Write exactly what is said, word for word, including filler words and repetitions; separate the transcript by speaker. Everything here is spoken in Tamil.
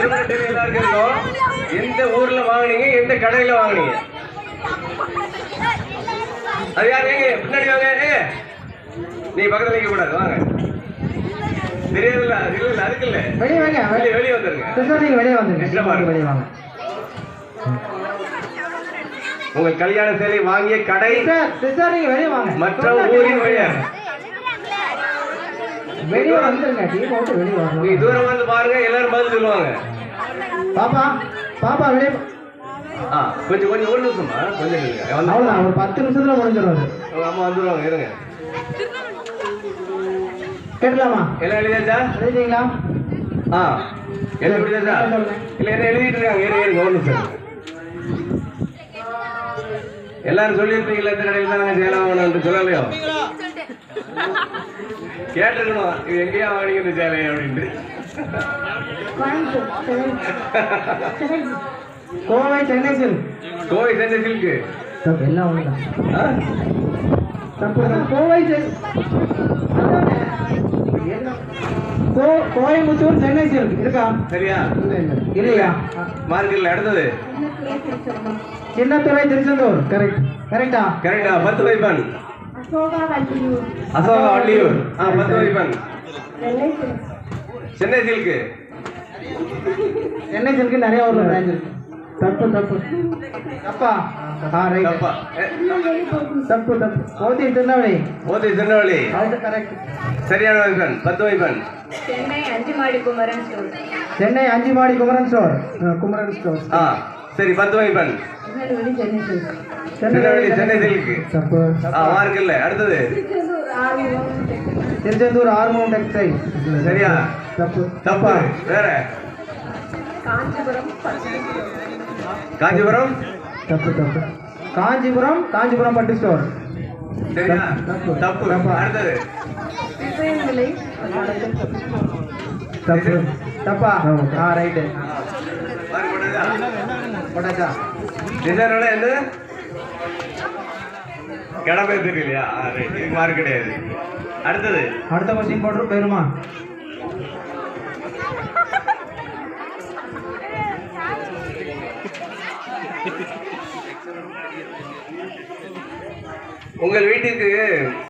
Speaker 1: எல்லாருக்கும் இருக்கும். எந்த ஊர்ல வாங்குனீங்க, எந்த கடையில வாங்குனீங்க? அது யாரு? பின்னாடி வாங்க. நீ பக்கத்துல நிக்க கூடாது, வாங்க. தெரியாதுல்ல, இல்ல இல்ல அதுக்கு இல்ல. வெளியே வாங்க, வெளியே வெளியே வந்துருங்க. நீங்க வெளியே வந்துருங்க, வெளியே வாங்க. உங்கள் கல்யாண சேலை வாங்கிய கடை நீங்க வெளியே வாங்க. மற்ற ஊரின் பெயர் வெளியே வந்துருங்க. டீம் அவுட் வெளியே வாங்க. நீ தூரம் வந்து பாருங்க, எல்லாரும் பதில் சொல்லுவாங்க. பாப்பா பாப்பா வெளியே. ஆ கொஞ்சம் கொஞ்சம் ஒரு நிமிஷமா கொஞ்சம் அவ்வளோதான், ஒரு பத்து நிமிஷத்துல முடிஞ்சிருவாங்க. அம்மா வந்துருவாங்க, இருங்க. கேட்கலாமா? எல்லாம் எழுதியாச்சா? எழுதிங்களா? ஆ எல்லாம் எழுதியாச்சா? இல்லை என்ன எழுதிட்டு இருக்காங்க, ஏறி ஏறி ஒரு நிமிஷம். எல்லாரும் சொல்லியிருப்பீங்களா இந்த கடையில் தான் நாங்கள் சேலை வாங்கணும்னு? சொல்லலையோ? கேட்டுருக்கணும், இது எங்கேயா வாங்கினீங்க இந்த சேலை அப்படின்ட்டு. கோவை சென்னை சில்க். கோவை சென்னை சில்க்கு எல்லாம் கோவை கோயம்புத்தூர் சென்னை சில்க் இருக்கா? சரியா? இல்லையா? மார்க்கெட்ல அடுத்தது சின்னத்துறை திருச்செந்தூர். கரெக்ட் கரெக்டா? கரெக்டா. பத்து வைப்பன் அசோகா வள்ளியூர். ஆ பத்து வைப்பன் சென்னை சில்க்கு. சென்னை சில்க்கு நிறைய ஊர்ல பிரான்ச் இருக்கு. தப்பு தப்பு தப்பா? ஆ ரைட். தப்பா தப்பு தப்பு. ஓதி திருநெல்வேலி. ஓதி திருநெல்வேலி. அது கரெக்ட். சரியான வைப்பன். பத்து வைப்பன் சென்னை அஞ்சுமாடி குமரன் ஸ்டோர். சென்னை அஞ்சுமாடி குமரன் ஸ்டோர். குமரன் ஸ்டோர். ஆ சரி. பத்து வைப்பன் திருநெல்வேலி சென்னை சில்க்கு. தப்பு. ஆ மார்க் இல்ல. அடுத்தது திருச்செந்தூர் ஆர்மோன் டெக்ஸ்டைல். சரியா? தப்பு தப்பா? வேற காஞ்சிபுரம். காஞ்சிபுரம். தப்பு தப்பு. காஞ்சிபுரம் காஞ்சிபுரம் பட்டு ஸ்டோர். சரியா? தப்பு தப்பு. அடுத்தது தப்பு தப்பா? ஆ ரைட். போட்டாச்சா? டிசைனோட என்ன கடமை தெரியலையா? ரைட். இது மார்க் கிடையாது. அடுத்தது அடுத்த கொஸ்டின் போட்டு போயிருமா? உங்கள் வீட்டுக்கு